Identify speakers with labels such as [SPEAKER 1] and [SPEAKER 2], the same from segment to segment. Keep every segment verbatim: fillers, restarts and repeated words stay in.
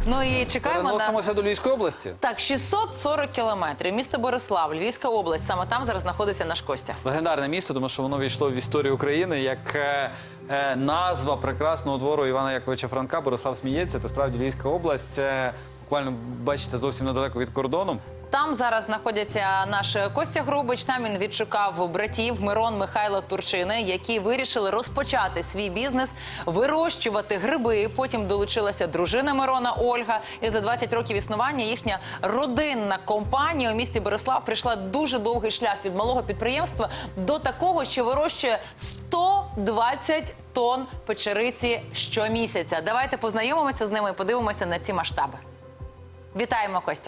[SPEAKER 1] Ну і чекаємо на...
[SPEAKER 2] Переносимося до Львівської області.
[SPEAKER 1] Так, шістсот сорок кілометрів. Місто Борислав, Львівська область. Саме там зараз знаходиться наш Костя.
[SPEAKER 2] Легендарне місто, тому що воно війшло в історію України як е, е, назва прекрасного двору Івана Яковича Франка. Борислав сміється. Це справді Львівська область. Це буквально, бачите, зовсім недалеко від кордону.
[SPEAKER 1] Там зараз знаходяться наш Костя Грубич. Там він відшукав братів Мирон, Михайло, Турчини, які вирішили розпочати свій бізнес, вирощувати гриби. Потім долучилася дружина Мирона Ольга. І за двадцять років існування їхня родинна компанія у місті Борислав прийшла дуже довгий шлях від малого підприємства до такого, що вирощує сто двадцять тонн печериці щомісяця. Давайте познайомимося з ними і подивимося на ці масштаби. Вітаємо, Костя.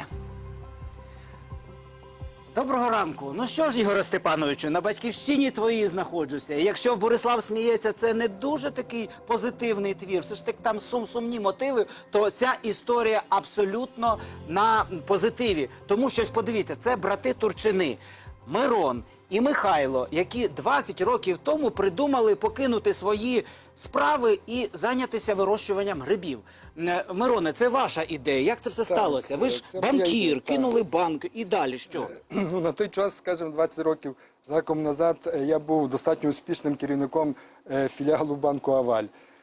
[SPEAKER 3] Доброго ранку. Ну що ж, Ігоре Степановичу, на батьківщині твоїй знаходжуся. І якщо в Борислав сміється, це не дуже такий позитивний твір, все ж таки там сум, сумні мотиви, то ця історія абсолютно на позитиві. Тому що, подивіться, це брати Турчини, Мирон і Михайло, які двадцять років тому придумали покинути свої справи і зайнятися вирощуванням грибів. Мироне, це ваша ідея. Як це все так сталося? Ви ж банкір, кинули банк і далі що?
[SPEAKER 4] Ну, на той час, скажімо, двадцять років заком назад, я був достатньо успішним керівником філіалу банку «Аваль».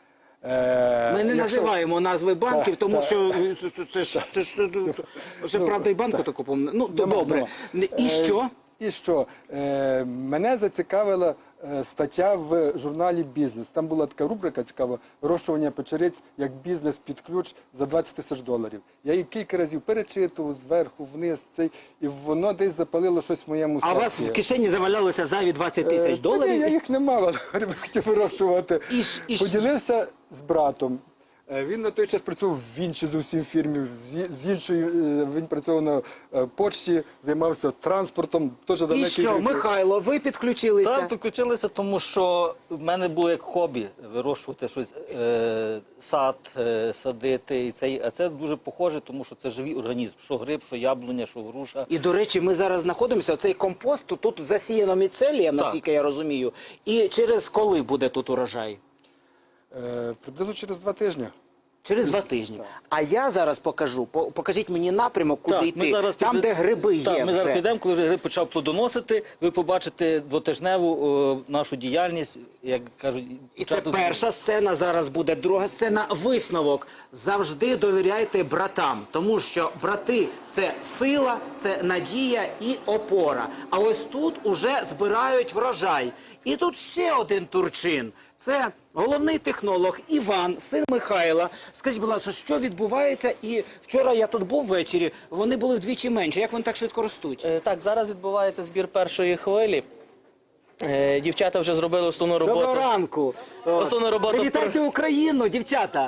[SPEAKER 3] Ми не Якщо... називаємо назви банків, так, тому так. що це ж, це ж, вже правда і банку таку помню. Ну, добре. І що?
[SPEAKER 4] І що? Е, мене зацікавила е, стаття в журналі «Бізнес». Там була така рубрика цікава «Вирощування печериць як бізнес під ключ за двадцять тисяч доларів». Я її кілька разів перечитував зверху, вниз, цей, і воно десь запалило щось в моєму серці.
[SPEAKER 3] А у вас в кишені завалялося зайві двадцять тисяч доларів?
[SPEAKER 4] Е, я їх не мав, але хотів вирощувати. І, і... Поділився з братом. Він на той час працював в іншій зовсім фірмі, з іншої він працював на почті, займався транспортом.
[SPEAKER 3] І що, Михайло, ви підключилися?
[SPEAKER 5] Так, підключилися, тому що в мене було як хобі вирощувати щось, е, сад, е, садити. І це, а це дуже похоже, тому що це живий організм, що гриб, що яблуня, що груша.
[SPEAKER 3] І, до речі, ми зараз знаходимося, цей компост тут засіяно міцелієм, наскільки я розумію. І через коли буде тут урожай?
[SPEAKER 4] Е, приблизно через два тижні.
[SPEAKER 3] Через два тижні. Так. А я зараз покажу, покажіть мені напрямок, куди
[SPEAKER 5] так,
[SPEAKER 3] йти, там,
[SPEAKER 5] піде...
[SPEAKER 3] де гриби є.
[SPEAKER 5] Так, ми
[SPEAKER 3] вже.
[SPEAKER 5] зараз підемо, коли вже гриб почав плодоносити, ви побачите двотижневу о, нашу діяльність, як кажуть...
[SPEAKER 3] І це перша сцена, зараз буде друга сцена, висновок. Завжди довіряйте братам, тому що брати – це сила, це надія і опора. А ось тут уже збирають врожай. І тут ще один Турчин. Це головний технолог Іван, син Михайла. Скажіть, будь ласка, що відбувається? І вчора я тут був ввечері, вони були вдвічі менше. Як вони так швидко ростуть?
[SPEAKER 6] Е, так, зараз відбувається збір першої хвилі. Е, дівчата вже зробили основну роботу.
[SPEAKER 3] Доброго ранку.
[SPEAKER 6] Основну роботу.
[SPEAKER 3] Привітайте Україну, дівчата.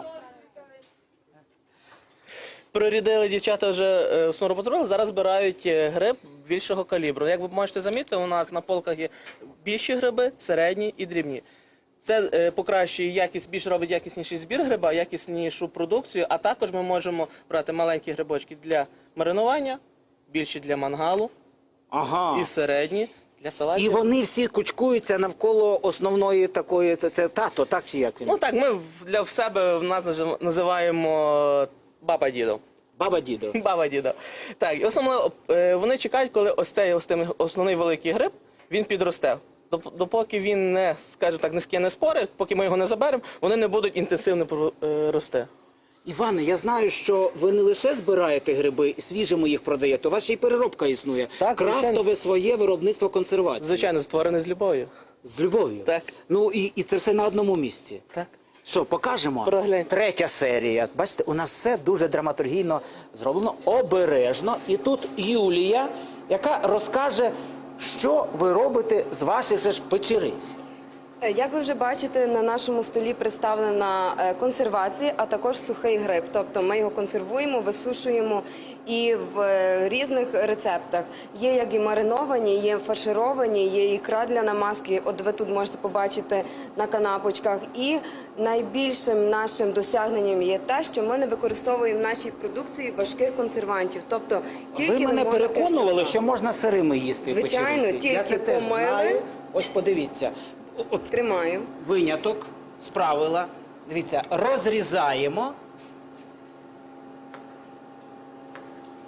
[SPEAKER 6] Прорядили дівчата вже основну роботу робили, зараз збирають гриб більшого калібру. Як ви можете замітити, у нас на полках є більші гриби, середні і дрібні. Це е, покращує якість, більш робить якісніший збір гриба, якіснішу продукцію, а також ми можемо брати маленькі грибочки для маринування, більші для мангалу,
[SPEAKER 3] ага.
[SPEAKER 6] і середні для салатів.
[SPEAKER 3] І вони всі кучкуються навколо основної такої, це, це тато, так чи як він?
[SPEAKER 6] Ну так, ми для в себе в нас називаємо баба дідо.
[SPEAKER 3] Баба дідо.
[SPEAKER 6] Баба дідо. Так, і основно вони чекають, коли ось цей ось цей основний великий гриб, він підросте. Допоки він не, скажімо так, не скине спори, поки ми його не заберемо, вони не будуть інтенсивно рости.
[SPEAKER 3] Іване, я знаю, що ви не лише збираєте гриби і свіжими їх продаєте, у вас ще й переробка існує.
[SPEAKER 6] Так,
[SPEAKER 3] крафтове
[SPEAKER 6] звичайно.
[SPEAKER 3] Своє виробництво консервації.
[SPEAKER 6] Звичайно, створене з любов'ю.
[SPEAKER 3] З любов'ю?
[SPEAKER 6] Так.
[SPEAKER 3] Ну і, і це все на одному місці.
[SPEAKER 6] Так.
[SPEAKER 3] Що, покажемо?
[SPEAKER 6] Прогляньте.
[SPEAKER 3] Третя серія. Бачите, у нас все дуже драматургійно зроблено, обережно. І тут Юлія, яка розкаже, що ви робите з ваших же ж печериць.
[SPEAKER 7] Як ви вже бачите, на нашому столі представлена консервація, а також сухий гриб. Тобто ми його консервуємо, висушуємо і в різних рецептах. Є як і мариновані, є фаршировані, є ікра для намазки. От ви тут можете побачити на канапочках. І найбільшим нашим досягненням є те, що ми не використовуємо в нашій продукції важких консервантів. Тобто тільки
[SPEAKER 3] ви мене переконували, що можна сирими їсти.
[SPEAKER 7] Звичайно,
[SPEAKER 3] печериці.
[SPEAKER 7] тільки
[SPEAKER 3] Я це теж
[SPEAKER 7] помили.
[SPEAKER 3] знаю. Ось подивіться. От
[SPEAKER 7] Тримаю.
[SPEAKER 3] виняток з правила. Дивіться, розрізаємо.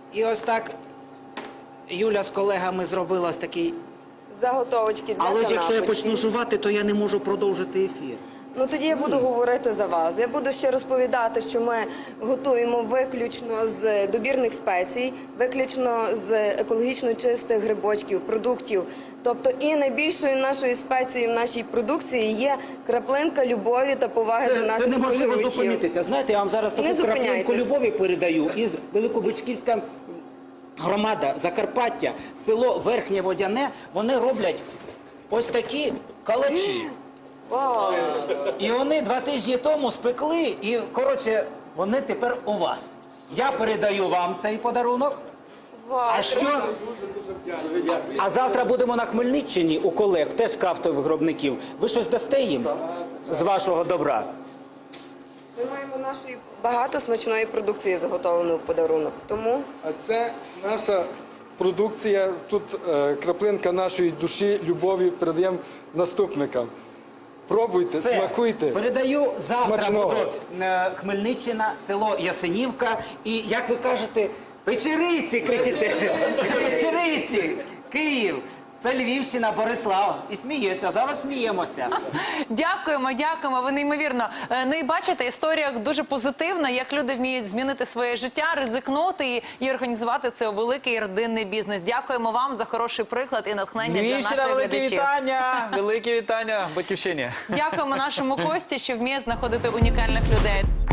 [SPEAKER 3] І ось так Юля з колегами зробила ось такий.
[SPEAKER 7] Заготовочки для
[SPEAKER 3] Але ж якщо я
[SPEAKER 7] канапочки.
[SPEAKER 3] почну жувати, то я не можу продовжити ефір.
[SPEAKER 7] Ну тоді я буду говорити за вас. Я буду ще розповідати, що ми готуємо виключно з добірних спецій, виключно з екологічно чистих грибочків, продуктів. Тобто і найбільшою нашою спецією в нашій продукції є краплинка любові та поваги до
[SPEAKER 3] Це,
[SPEAKER 7] наших
[SPEAKER 3] це неможливо
[SPEAKER 7] споживачів.
[SPEAKER 3] зупинитися. Знаєте, я вам зараз
[SPEAKER 7] Не
[SPEAKER 3] таку краплинку
[SPEAKER 7] зупиняйтесь.
[SPEAKER 3] любові передаю із Великобичківська громада, Закарпаття, село Верхнє Водяне. Вони роблять ось такі калачі.
[SPEAKER 7] Вау!
[SPEAKER 3] І вони два тижні тому спекли, і, коротше, вони тепер у вас. Я передаю вам цей подарунок.
[SPEAKER 7] Вау!
[SPEAKER 3] А що? А завтра будемо на Хмельниччині у колег, теж крафтових виробників. Ви щось дасте їм з вашого добра?
[SPEAKER 7] Ми маємо нашої багато смачної продукції заготовленої в подарунок. Тому
[SPEAKER 4] А це наша продукція. Тут е, краплинка нашої душі, любові передаємо наступникам. Пробуйте,
[SPEAKER 3] Все.
[SPEAKER 4] смакуйте.
[SPEAKER 3] Передаю завтра
[SPEAKER 4] Смачного.
[SPEAKER 3] будуть е, Хмельниччина, село Ясенівка. І, як ви кажете, Печериці кричите. Печериці, Київ. Це Львівщина, Борислав. І сміється, зараз сміємося.
[SPEAKER 1] Дякуємо, дякуємо. Ви неймовірно. Е, Ну і бачите, історія дуже позитивна, як люди вміють змінити своє життя, ризикнути і, і організувати це у великий родинний бізнес. Дякуємо вам за хороший приклад і натхнення для
[SPEAKER 2] Львівщина,
[SPEAKER 1] наших
[SPEAKER 2] велике
[SPEAKER 1] глядачів.
[SPEAKER 2] вітання! Велике вітання Батьківщині!
[SPEAKER 1] Дякуємо нашому Кості, що вміє знаходити унікальних людей.